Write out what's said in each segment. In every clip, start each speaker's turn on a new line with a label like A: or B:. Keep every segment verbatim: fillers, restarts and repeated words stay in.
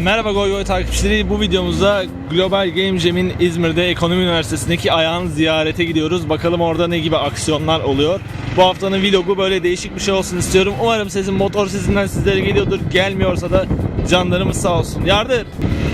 A: Merhaba Goy Goy takipçileri, bu videomuzda Global Game Jam'in İzmir'de Ekonomi Üniversitesi'ndeki ayağını ziyarete gidiyoruz. Bakalım orada ne gibi aksiyonlar oluyor. Bu haftanın vlogu böyle değişik bir şey olsun istiyorum. Umarım sesin motor sesinden sizlere geliyordur. Gelmiyorsa da canlarımız sağ olsun. Yardır!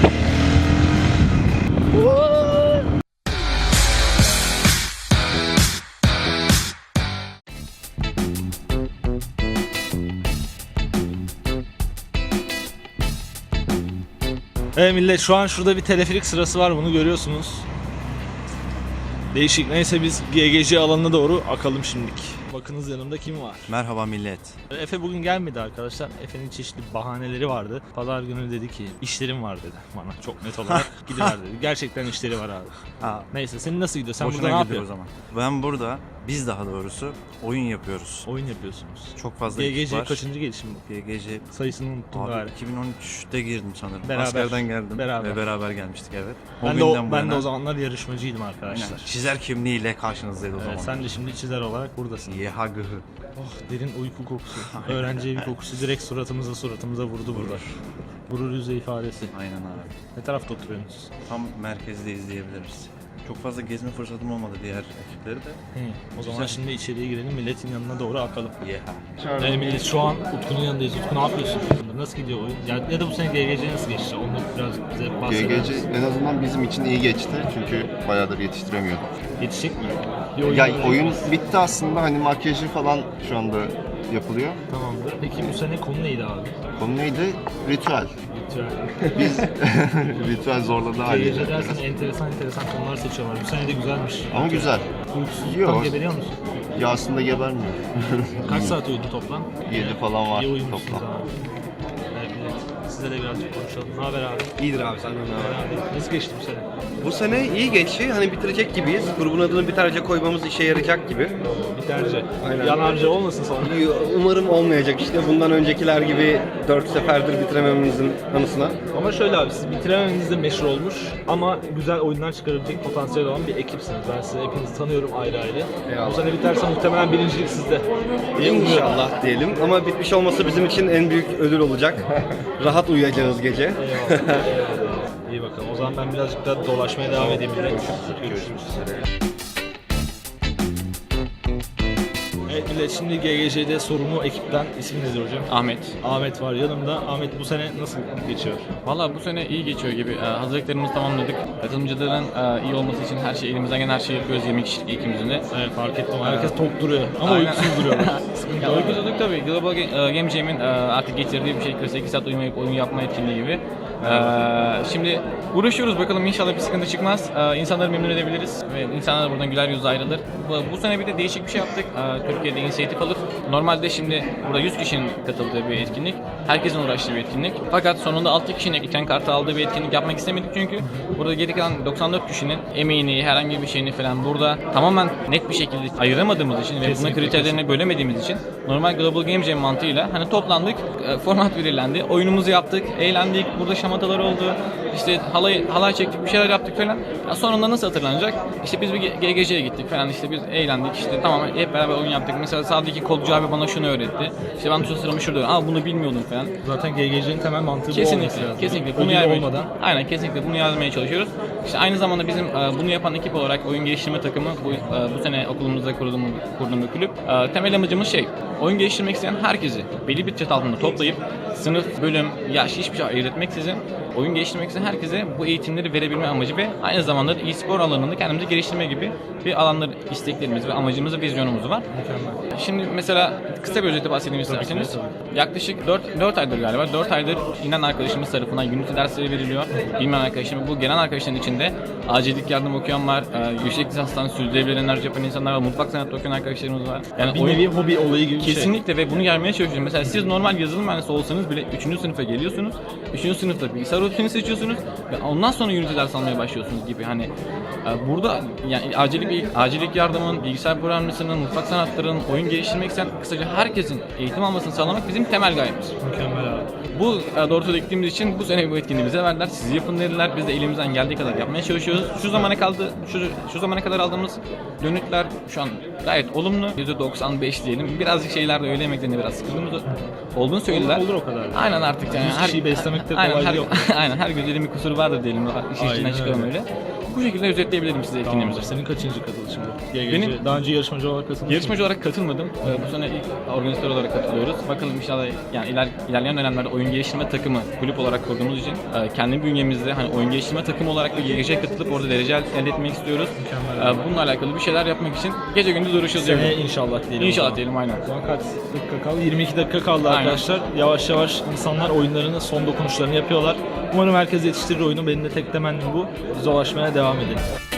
A: Evet millet, şu an şurada bir teleferik sırası var, bunu görüyorsunuz. Değişik. Neyse biz G G C alanına doğru akalım şimdilik. Bakınız yanımda kim var?
B: Merhaba millet.
A: Efe bugün gelmedi arkadaşlar. Efe'nin çeşitli bahaneleri vardı. Pazar günü dedi ki işlerim var dedi bana, çok net olarak. Gidiver dedi. Gerçekten işleri var abi.
B: Ha,
A: Neyse, senin nasıl gidiyor? Sen
B: boşuna
A: burada ne
B: gidiyor
A: yapıyorsun?
B: o zaman. Ben burada, biz daha doğrusu oyun yapıyoruz.
A: Oyun yapıyorsunuz.
B: Çok fazla
A: G G
B: ekip
A: C
B: var.
A: kaçıncı gelişim bu?
B: G G C
A: Sayısını unuttum
B: abi
A: galiba.
B: iki bin on üçte girdim sanırım.
A: Beraber.
B: Askerden geldim
A: Beraber.
B: ve beraber gelmiştik, evet.
A: Ben de, o,
B: günden bu
A: ben de
B: yana-
A: o zamanlar yarışmacıydım arkadaşlar.
B: Aynen. Çizer kimliğiyle karşınızdaydı o
A: Evet,
B: zaman.
A: sen de şimdi çizer olarak buradasın.
B: Yeha gıhı.
A: Oh, derin uyku kokusu. Öğrenci evi kokusu direkt suratımıza suratımıza vurdu burada. Gurur yüzü ifadesi.
B: Aynen abi.
A: Ne tarafta oturuyorsunuz?
B: Tam merkezdeyiz diyebiliriz. Çok fazla gezme fırsatım olmadı diğer ekipleri de.
A: He, o zaman
B: Güzel.
A: şimdi içeriye girelim, milletin yanına doğru akalım.
B: Yeha.
A: Evet millet, şu an Utku'nun yanındayız. Utku, ne yapıyorsun? Nasıl gidiyor oyun? Ya, ya da bu sene G G C nasıl geçti? Onu biraz bize bahseder
C: G G C
A: misin?
C: en azından bizim için iyi geçti çünkü bayağıdır yetiştiremiyorduk.
A: Yetişecek mi? Bir oyun
C: Ya
A: olacak
C: oyun
A: mı?
C: bitti aslında, hani makyajı falan şu anda yapılıyor.
A: Tamamdır. Peki bu sene konu neydi abi?
C: Konu neydi? Ritüel.
A: Ritüel.
C: Biz ritüel zorladı
A: G G
C: haliyle.
A: C dersen enteresan enteresan konular seçiyorlar. Bu sene de güzelmiş.
C: Ama güzel.
A: Uykusuzluktan
C: Yok.
A: geberiyor musun?
C: Ya aslında gebermiyor.
A: Kaç saat uyudun toplam?
C: yedi falan var
A: İyi uyumuşsunuz
C: toplam.
A: abi. Evet, evet. Size de birazcık konuşalım. Ne haber abi?
D: İyidir abi, senden ne haber?
A: Abi, nasıl geçti bu sene?
D: Bu sene iyi geçti. Hani bitirecek gibiyiz. Grubun adını Biterce koymamız işe yarayacak gibi.
A: Biterce.
D: Aynen.
A: Yanarca olmasın sonra.
D: Umarım olmayacak işte. Bundan öncekiler gibi dört seferdir bitiremememizin anısına.
A: Ama şöyle abi, siz bitirememeniz de meşhur olmuş ama güzel oyunlar çıkarabilecek potansiyel olan bir ekipsiniz. Ben sizi hepinizi tanıyorum ayrı ayrı.
D: Eyvallah.
A: Bu sene biterse muhtemelen birincilik sizde. diye umuyorum.
D: İnşallah diyelim. Ama bitmiş olması bizim için en büyük ödül olacak. Rahat uyuyacağız gece.
A: Eyvallah. Eyvallah. İyi bakalım. O zaman ben birazcık daha dolaşmaya devam edeyim. Millet. Görüşürüz. Evet millet, şimdi G G C'de sorumlu ekipten isim nedir hocam?
E: Ahmet.
A: Ahmet var yanımda. Ahmet, bu sene nasıl geçiyor?
E: Valla bu sene iyi geçiyor gibi. Ee, hazırlıklarımızı tamamladık. Katılımcıların e, iyi olması için her şey, elimizden gelen her şeyi yapıyoruz yirmi kişilik ekibimizin de.
A: Evet, fark ettim. Herkes tok duruyor ama
E: Aynen.
A: uykusuz duruyorlar. Sıkıntı
E: Ya
A: yok.
E: uykusuzluk tabii. Global Ga- e, Game Jam'in e, artık getirdiği bir şey kırk sekiz saat uyumayıp oyun yapma etkinliği gibi. Ee, şimdi uğraşıyoruz, bakalım inşallah bir sıkıntı çıkmaz. Ee, insanları memnun edebiliriz ve insanlar buradan güler yüzle ayrılır. Bu, bu sene bir de değişik bir şey yaptık. Ee, Türkiye'de inisiyatif alıp normalde şimdi burada yüz kişinin katıldığı bir etkinlik. Herkesin uğraştığı bir etkinlik. Fakat sonunda altı kişinin ekran kartı aldığı bir etkinlik yapmak istemedik çünkü burada geri kalan doksan dört kişinin emeğini, herhangi bir şeyini falan burada tamamen net bir şekilde ayıramadığımız için ve bunun kriterlerini bölemediğimiz için normal Global Game Jam mantığıyla hani toplandık, e, format belirlendi, oyunumuzu yaptık, eğlendik, burada şamatalar oldu, işte halay, halay çektik, bir şeyler yaptık falan. Ya sonunda nasıl hatırlanacak? İşte biz bir G G C'ye gittik falan, işte biz eğlendik, işte tamam hep beraber oyun yaptık. Mesela sağdaki kolcu abi bana şunu öğretti. İşte ben tuşa sıramı şurada, aa bunu bilmiyordum falan.
A: Zaten G G C'nin temel mantığı bu olması
E: Kesinlikle,
A: lazım.
E: kesinlikle. Bunu
A: Ödül
E: yaymaya,
A: olmadan.
E: aynen kesinlikle bunu yazmaya çalışıyoruz. İşte aynı zamanda bizim e, bunu yapan ekip olarak oyun geliştirme takımı bu, e, bu sene okulumuzda kurduğum, kurduğum bir kulüp. E, temel amacımız şey, oyun geliştirmek isteyen herkesi belli bir çatı altında toplayıp sınıf, bölüm, yaş hiçbir şey ayırt etmeksizin oyun geliştirmek isteyen herkese bu eğitimleri verebilme amacı ve aynı zamanda e-spor alanında kendimizi geliştirme gibi bir alanlar, isteklerimiz ve amacımız ve vizyonumuz var.
A: Mükemmel.
E: Şimdi mesela kısa bir özeti bahsedeyim isterseniz. Yaklaşık dört aydır galiba, dört aydır inen arkadaşımız tarafından Unity dersleri veriliyor. Bilmeyen arkadaşım, bu gelen arkadaşların içinde acillik yardım okuyan var, e, yüksek lisanstan sürdürülebilir enerji yapan insanlar var, mutfak sanatı okuyan arkadaşlarımız var. Yani
A: Bir
E: oyun-
A: nevi hobi olayı gibi bir şey.
E: Kesinlikle ve bunu gelmeye çalışıyorum. Mesela siz normal yazılım mühendisi olsanız bile üçüncü sınıfa geliyorsunuz. üçüncü sınıfta bilgisayar öğretmeni seçiyorsunuz ve ondan sonra Unity ders almaya başlıyorsunuz gibi. Hani e, burada yani acillik, acillik yardımın, bilgisayar programlamasının, mutfak sanatlarının, oyun geliştirmek isteyen kısaca herkesin eğitim almasını sağlamak bizim temel gayemiz.
A: Mükemmel abi.
E: Bu e, doğrultuda gittiğimiz için bu sene bu etkinliği bize verdiler. Siz yapın dediler. Biz de elimizden geldiği kadar yapmaya çalışıyoruz. Şu zamana kaldı, şu, şu zamana kadar aldığımız dönütler şu an gayet olumlu. yüzde doksan beş diyelim. Birazcık şeylerde öğle yemeklerinde biraz sıkıntımız olduğunu söylediler.
A: Olur, olur o kadar.
E: Aynen artık yani.
A: yüz kişiyi beslemekte
E: aynen,
A: kolay
E: her,
A: yok.
E: aynen her güzelin bir kusuru vardır diyelim. İşin içinden
A: Aynen
E: çıkalım
A: öyle.
E: öyle. Bu şekilde özetleyebilirim size etkinliğimizi.
A: Tamamdır. Senin kaçıncı katılışın bu? G G C.
E: Benim-
A: Daha önce yarışmacı olarak katıldın mı?
E: Yarışmacı olarak katılmadım. Ee, Bu sene ilk organizatör olarak katılıyoruz. Bakalım inşallah yani iler, ilerleyen dönemlerde oyun geliştirme takımı kulüp olarak kurduğumuz için e, kendi bünyemizde hani oyun geliştirme takımı olarak bir G G C'ye katılıp orada derece el- elde etmek istiyoruz.
A: Mükemmel.
E: Ee, Bununla alakalı bir şeyler yapmak için gece gündüz uğraşıyoruz.
A: Seneye
E: diyebilirim.
A: inşallah diyelim.
E: İnşallah diyelim aynen.
A: Şu an kaç dakika kaldı? yirmi iki dakika kaldı
E: Aynen.
A: arkadaşlar. Yavaş yavaş insanlar oyunlarını, son dokunuşlarını yapıyorlar. Umarım herkes yetiştirir oyunu. Benim de tek temennim bu. Biz dolaşmaya devam edelim.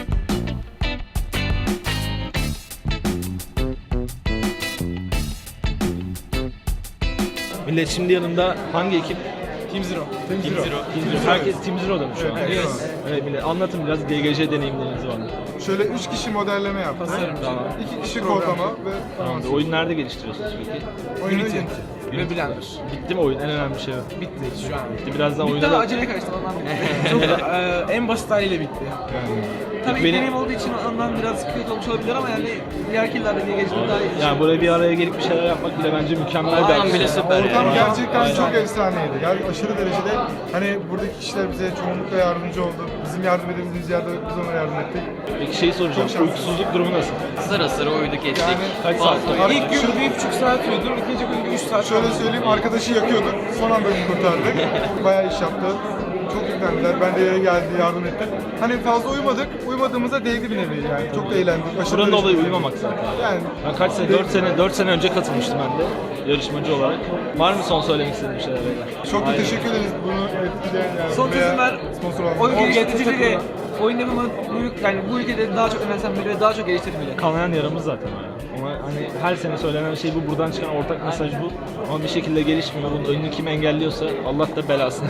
A: Millet şimdi yanımda hangi ekip? Team Zero. Team Zero. Team Zero. Herkes Team Zero'da mı şu an?
F: Evet.
A: Evet millet. Anlatın biraz G G C deneyimlerinizi bana.
F: Şöyle üç kişi modelleme yaptık.
A: Tamam.
F: iki kişi kodlama ve
A: Tamamdır. Oyun nerede geliştiriyorsunuz peki?
F: oyunu
A: Ve Blender. Bitti mi oyun? En önemli şey o.
G: Bitti şu an.
A: Bitti. Birazdan oyuna
G: Bitti
A: da...
G: ama acele kaçtı ondan bitti. Çok e, en basit haliyle bitti. Tabii
A: Benim-
G: ilk deneyim olduğu için ondan biraz kötü olmuş olabilir ama yani diğer yıllarda diye geçmek daha iyi.
A: Yani buraya bir araya gelip bir şeyler yapmak bile bence mükemmel bir
E: Aynen, bile süper.
F: Ortam
E: Yani.
F: gerçekten
A: Aynen.
F: çok efsaneydi. Yani aşırı derecede hani buradaki kişiler bize çoğunlukla yardımcı oldu. Bizim yardım edebildiğimiz yerde biz ona yardım ettik.
A: Peki şeyi soracağım.
F: Çok şanslısın.
A: Uykusuzluk durumu nasıl?
E: Sıra sıra uyuduk geçtik.
F: Yani
A: Kaç saat?
G: İlk gün bir buçuk saat uyudum, ikinci gün üç saat.
F: şöyle söyleyeyim, arkadaşı yakıyorduk. Son anda kurtardık. Bayağı iş yaptı. Çok yüklendiler. Ben de yere geldi, yardım ettim. Hani fazla uyumadık. Uyumadığımızda değdi bir nevi yani. Çok da eğlendik. Aşırı
A: Buranın
F: derecede
A: olayı
F: eğlendik.
A: uyumamak zaten.
F: Yani
A: Ben kaç sene? dört sene, dört sene önce katılmıştım ben de yarışmacı olarak. Var mı son söylemek istediğin şeyler beyler?
F: çok da
A: Aynen.
F: teşekkür ederiz bunu etkileyen yani.
G: Son
F: veya
G: çözümler,
F: sponsor olan.
G: oyun
F: O
G: geliştiricileri, oyun yapımı bu, yani bu ülkede daha çok önemsenmeli ve daha çok geliştirilmeli.
A: Kanayan yaramız zaten o yani. Ama hani her sene söylenen şey bu, buradan çıkan ortak mesaj bu. Ama bir şekilde gelişmiyor. Bunun önünü kim engelliyorsa Allah da belasını.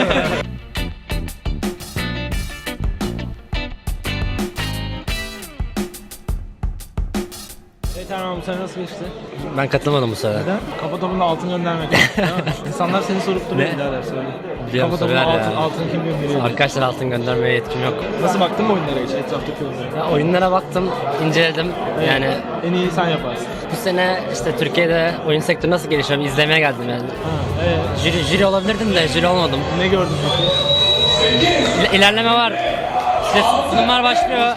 A: Evet Erman, bu sene nasıl geçti?
H: Ben katılmadım bu sefer.
A: Neden? Kafa topunda altın göndermek. Değil mi? İnsanlar seni sorup duruyor
H: Ne?
A: birader söyle.
H: Biliyorum,
A: Kafa topuna
H: soruyorlar
A: altın,
H: ya.
A: altın kim gönderiyor?
H: Arkadaşlar altın göndermeye yetkim yok.
A: Nasıl baktın mı oyunlara hiç etraftaki oyunlara?
H: Ya oyunlara baktım, inceledim. Yani
A: En iyi sen yaparsın.
H: bu sene işte Türkiye'de oyun sektörü nasıl gelişiyor izlemeye geldim yani.
A: Ha, evet.
H: Jüri, jüri olabilirdim de jüri olmadım.
A: Ne gördün peki?
H: İl- İlerleme var. İşte sunumlar başlıyor.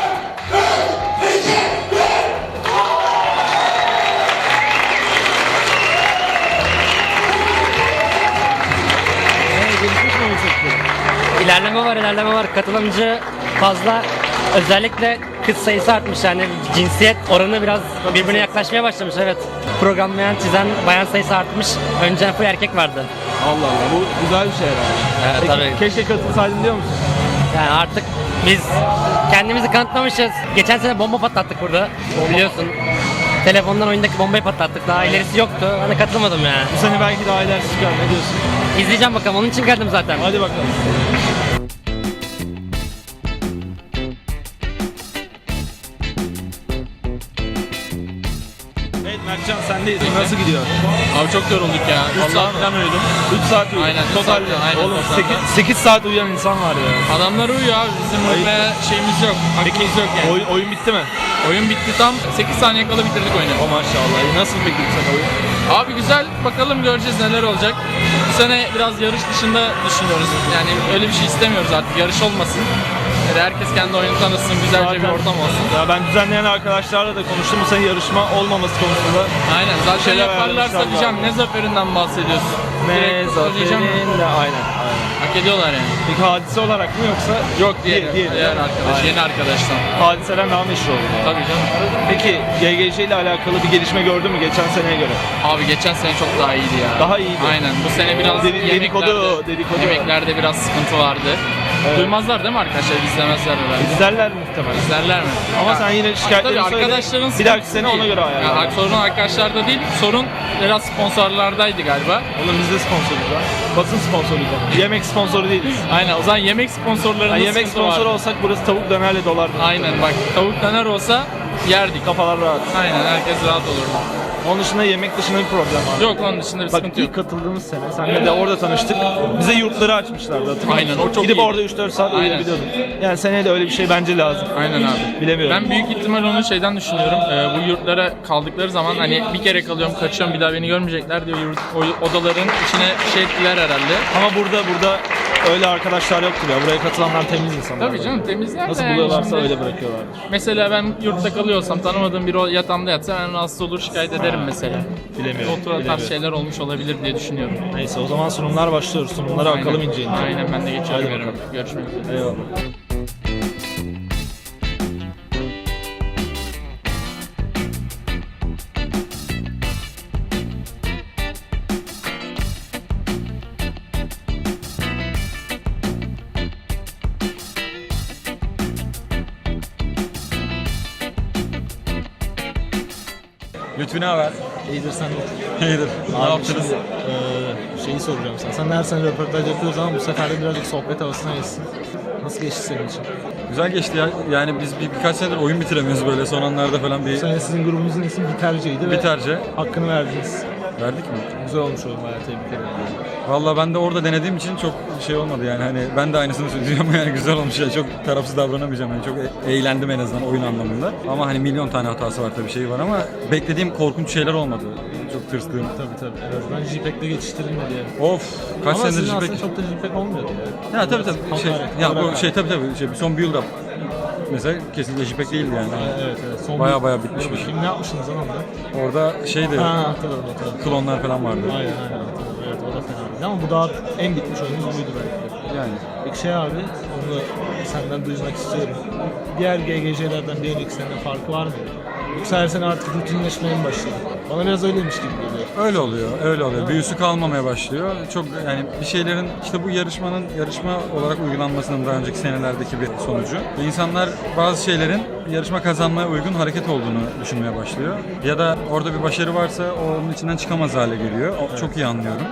A: Evet, gelişmiş mi oyun sektörü?
H: İlerleme var, ilerleme var. Katılımcı fazla. Özellikle kız sayısı artmış yani cinsiyet oranı biraz birbirine yaklaşmaya başlamış evet. Programlayan, çizen bayan sayısı artmış. Önceden full erkek vardı.
A: Allah Allah, bu güzel bir şey herhalde.
H: Evet,
A: Peki,
H: tabii.
A: keşke katılsaydın diyor musun?
H: Yani artık biz kendimizi kanıtlamışız. Geçen sene bomba patlattık burada. Biliyorsun. Telefondan oyundaki bombayı patlattık. Daha ilerisi yoktu. Hani katılmadım yani.
A: Bu sene belki daha ilerisi çıkar, ne diyorsun?
H: İzleyeceğim bakalım. Onun için geldim zaten.
A: Hadi bakalım. Evet Mertcan, sendeyiz. Nasıl gidiyor?
E: Abi çok yorulduk ya. üç saat falan uyudum.
A: üç saat uyudun.
E: Aynen, üç
A: Totalde.
E: saat, aynen,
A: Oğlum
E: totalde.
A: sekiz saat uyuyan insan var ya.
E: Adamlar uyuyor abi. Bizim uyumaya şeyimiz yok. Hakkımız yok yani.
A: Oyun, oyun bitti mi?
E: Oyun bitti tam sekiz saniye kala bitirdik oyunu.
A: O maşallah. Nasıl peki bu sene oyun?
E: Abi güzel, bakalım göreceğiz neler olacak. Bu sene biraz yarış dışında düşünüyoruz. Yani öyle bir şey istemiyoruz artık, yarış olmasın. Yani herkes kendi oyunu tanısın, güzelce bir ortam olsun.
A: Ya ben düzenleyen arkadaşlarla da konuştum. Bu sene yarışma olmaması konusunda.
E: Aynen, zaten
A: Şeyler
E: yaparlarsa
A: ayarlamışlar
E: diyeceğim
A: galiba.
E: ne zaferinden bahsediyorsun.
A: Ne
E: Direkt söyleyeceğim.
A: zaferin de aynen. aynen.
E: Hak ediyorlar yani.
A: Peki hadise olarak mı yoksa?
E: Yok diğer,
A: Diğer-
E: diğer,
A: diğer-
E: arkadaş,
A: Aynen.
E: yeni arkadaştan.
A: Hadiseden daha meşhur oldu.
E: Tabii canım.
A: Peki G G C ile alakalı bir gelişme gördün mü geçen seneye göre?
E: Abi geçen sene çok daha iyiydi ya.
A: Daha iyiydi.
E: Aynen. Bu sene biraz
A: Dedi-
E: yemeklerde,
A: dedikodu, dedikodu.
E: yemeklerde biraz sıkıntı vardı.
A: Evet.
E: Duymazlar değil mi arkadaşlar? İzlemezler herhalde.
A: İzlerler muhtemelen.
E: İzlerler mi?
A: Ama
E: Ya,
A: sen yine
E: tabii
A: şikayetlerini söyle.
E: arkadaşların
A: Bir dahaki
E: sıkıntısı
A: sene ona
E: değil.
A: göre ayarlar.
E: Ya, sorun arkadaşlarda değil, sorun biraz sponsorlardaydı galiba.
A: Oğlum biz de sponsoruyuz ha. Basın sponsoruyuz ha. Yemek sponsoru değiliz.
E: Aynen, o zaman yemek sponsorlarında
A: Yani yemek
E: sıkıntı
A: sponsoru
E: vardı.
A: olsak burası tavuk dönerle dolardı.
E: Aynen bak, tavuk döner olsa yerdik.
A: Kafalar rahat.
E: Aynen, herkes rahat olurdu.
A: Onun dışında yemek dışında bir problem var.
E: Yok, onun dışında bir
A: Bak
E: sıkıntı yok.
A: ilk katıldığımız sene senle de orada tanıştık. Bize yurtları açmışlardı, hatırlıyor
E: Aynen,
A: musun?
E: o çok
A: Gidip
E: iyiydi.
A: orada üç dört saat
E: Aynen.
A: uyuyabiliyordun. Yani seneye de öyle bir şey bence lazım.
E: Aynen abi.
A: Bilemiyorum.
E: Ben büyük ihtimal onu şeyden düşünüyorum. Ee, bu yurtlara kaldıkları zaman hani bir kere kalıyorum, kaçıyorum, bir daha beni görmeyecekler diyor. Yurt, o odaların içine şey ettiler herhalde.
A: Ama burada burada öyle arkadaşlar yoktur ya. Buraya katılanlar temiz insanlar.
E: Tabii canım, temizler de
A: Nasıl
E: yani
A: buluyorlarsa
E: şimdi-
A: öyle bırakıyorlardır.
E: Mesela ben yurtta kalıyorsam, tanımadığım biri o yatağımda yatsa ben rahatsız olur, şikayet ederim mesela.
A: Bilemiyorum.
E: O tarz
A: bilemiyorum.
E: şeyler olmuş olabilir diye düşünüyorum.
A: Neyse o zaman sunumlar başlıyoruz. Sunumlara
E: Aynen.
A: bakalım ince ince.
E: Aynen, ben de geçiyorum.
A: Hadi
E: yarın.
A: bakalım.
E: Görüşmek üzere.
A: Eyvallah.
I: Lütfü ne haber?
A: İyidir sen de.
I: İyidir. Ne
A: Abi
I: yaptınız?
A: şimdi, eee, şeyi soracağım sana. Sen her sene röportaj yapıyoruz ama bu sefer de birazcık sohbet havasına geçsin. Nasıl geçti senin için?
I: Güzel geçti ya. Yani biz bir, birkaç senedir oyun bitiremiyoruz böyle son anlarda falan
A: Bu
I: bir
A: sene sizin grubunuzun ismi Biterce'ydi ve
I: biterce.
A: hakkını verdiniz.
I: Verdik mi?
A: Güzel olmuş oyun, bayağı tebrik ederim.
I: Vallahi ben de orada denediğim için çok şey olmadı yani hani ben de aynısını söyleyeceğim yani güzel olmuş ya çok tarafsız davranamayacağım yani çok e- eğlendim en azından oyun anlamında ama hani milyon tane hatası var tabii şey var ama beklediğim korkunç şeyler olmadı çok tırstığım.
A: Tabii tabii. En azından JPEG'le geçiştirilmedi yani.
I: Of kaç
A: Ama
I: senedir
A: sizin
I: JPEG.
A: aslında çok da JPEG olmuyordu ya.
I: Ya tabii tabii şey
A: Hakaret,
I: ya bu
A: hakaret.
I: şey tabii tabii şey son build up mesela kesinlikle JPEG değildi yani.
A: Evet evet. Son
I: Baya
A: bir-
I: baya bitmiş bir şey.
A: Kim ne yapmışsınız lan orada?
I: Orada şeydi
A: Ha hatırladım hatırladım.
I: klonlar falan vardı.
A: Aynen aynen hatırladım. Evet o da fena değil. Ama bu daha en bitmiş oyunumuz buydu belki de.
I: Yani
A: Peki şey abi, onu senden duymak istiyorum. Diğer G G J'lerden bir önceki sene farkı var mıydı? Yoksa her sene artık rutinleşmeye mi başladı? Bana biraz öyleymiş gibi geliyor.
I: öyle oluyor, öyle oluyor. Büyüsü kalmamaya başlıyor. Çok yani bir şeylerin işte bu yarışmanın yarışma olarak uygulanmasının daha önceki senelerdeki bir sonucu. İnsanlar bazı şeylerin yarışma kazanmaya uygun hareket olduğunu düşünmeye başlıyor. Ya da orada bir başarı varsa o onun içinden çıkamaz hale geliyor. O, çok iyi anlıyorum.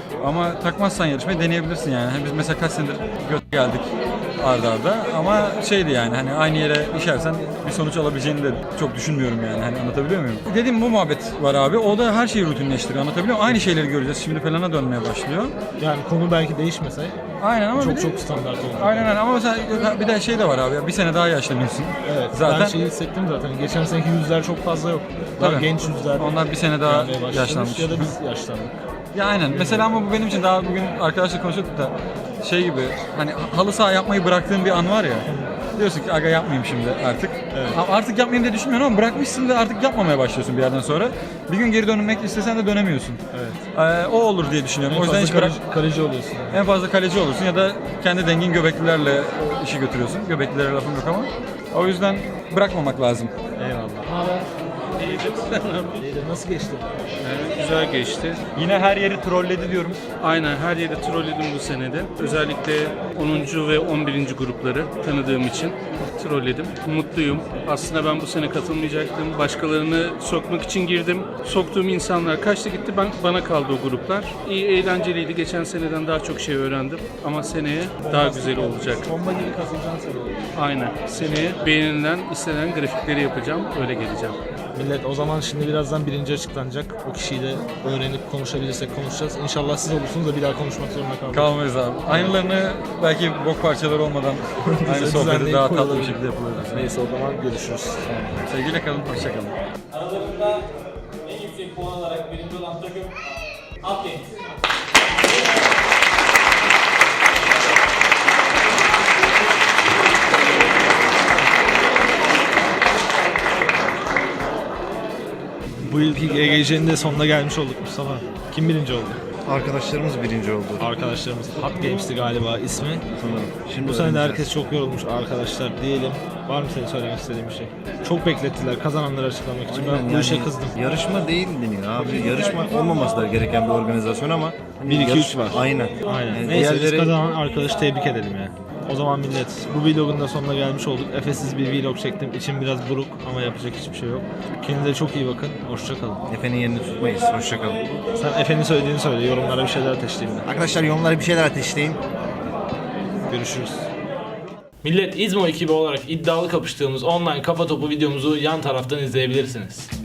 I: Ama takmazsan yarışmayı deneyebilirsin yani. Hani biz mesela kaç senedir göt geldik arda arda ama şeydi yani hani aynı yere işersen bir sonuç alabileceğini de çok düşünmüyorum yani hani anlatabiliyor muyum? Dediğim bu muhabbet var abi. O da her şeyi rutinleştiriyor. Anlatabiliyor muyum? Aynı şeyleri göreceğiz. Şimdi falana dönmeye başlıyor.
A: Yani konu belki değişmese
I: Aynen ama bir
A: çok
I: de-
A: çok standart oldu.
I: Aynen aynen ama mesela bir de şey de var abi. Bir sene daha yaşlanıyorsun.
A: Evet,
I: Zaten
A: ben şeyi hissettim zaten. Geçen seneki yüzler çok fazla yok. Daha
I: Tabii.
A: genç yüzler.
I: Onlar bir sene daha
A: gelmeye başlamış
I: yaşlanmış.
A: Ya da biz yaşlandık.
I: Ya aynen. Mesela ama bu benim için daha bugün arkadaşla konuşuyorduk da şey gibi hani halı saha yapmayı bıraktığın bir an var ya. Diyorsun ki aga yapmayayım şimdi artık.
A: Evet.
I: Ama artık yapmayayım diye düşünmüyorum ama bırakmışsın ve artık yapmamaya başlıyorsun bir yerden sonra. Bir gün geri dönmek istesen de dönemiyorsun.
A: Evet.
I: Ee, o olur diye düşünüyorum.
A: En
I: o yüzden
A: fazla
I: hiç bırak.
A: kaleci, kaleci oluyorsun.
I: En fazla kaleci olursun ya da kendi dengin göbeklilerle işi götürüyorsun. Göbeklilere lafım yok ama. O yüzden bırakmamak lazım.
A: Eyvallah. İyidir. Nasıl geçti?
J: Güzel geçti.
I: Yine her yeri trolledi diyorum.
J: Aynen her yeri trolledim bu senede. Özellikle onuncu ve on birinci grupları tanıdığım için trolledim. Mutluyum. Aslında ben bu sene katılmayacaktım. Başkalarını sokmak için girdim. Soktuğum insanlar kaçtı gitti. Ben, bana kaldı o gruplar. İyi eğlenceliydi. Geçen seneden daha çok şey öğrendim. Ama seneye daha güzel olacak.
A: Bomba gibi katılacaksın sen.
J: Aynen. Seneye beğenilen, istenen grafikleri yapacağım. Öyle geleceğim.
A: Millet o zaman şimdi birazdan birinci açıklanacak. O kişiyi de öğrenip konuşabilirsek konuşacağız. İnşallah siz olursunuz da bir daha konuşmak zorunda kalmayız.
I: Kalmayız abi. Aynılarını belki bok parçaları olmadan aynı sohbeti
A: düzenleyip
I: daha tatlı
A: koyalım.
I: bir şekilde yapılır.
A: Neyse o zaman görüşürüz.
I: Sevgiyle kalın, hoşça kalın.
K: Aralarında en yüksek puan alarak birinci olan takım Halk Games.
A: Bu yılki G G C'nin de sonuna gelmiş olduk Mustafa. Kim birinci oldu?
C: Arkadaşlarımız birinci oldu
A: Arkadaşlarımız. Hot Games'ti galiba ismi.
C: sanırım. Şimdi
A: Bu sene de
C: öğreneceğiz.
A: herkes çok yorulmuş arkadaşlar diyelim. Var mı senin söylemek istediğin bir şey? Çok beklettiler kazananları açıklamak için. Ben bu
C: Yani
A: işe kızdım.
C: Yarışma değil deniyor abi. Yarışma olmaması da gereken bir organizasyon ama hani
A: Bir, iki,
C: yarış-
A: üç var.
C: Aynen.
A: Aynen.
C: Yani
A: Neyse biz
C: diğerleri-
A: kazanan arkadaşı tebrik edelim ya. O zaman millet bu vlogun da sonuna gelmiş olduk. Efesiz bir vlog çektim. İçim biraz buruk ama yapacak hiçbir şey yok. Kendinize çok iyi bakın. Hoşça kalın.
C: Efe'nin yerini tutmayız. Hoşçakalın.
A: Sen Efe'nin söylediğini söyle. Yorumlara bir şeyler ateşleyin. de.
C: Arkadaşlar yorumlara bir şeyler ateşleyin.
A: Görüşürüz. Millet İzmo ekibi olarak iddialı kapıştığımız online kafa topu videomuzu yan taraftan izleyebilirsiniz.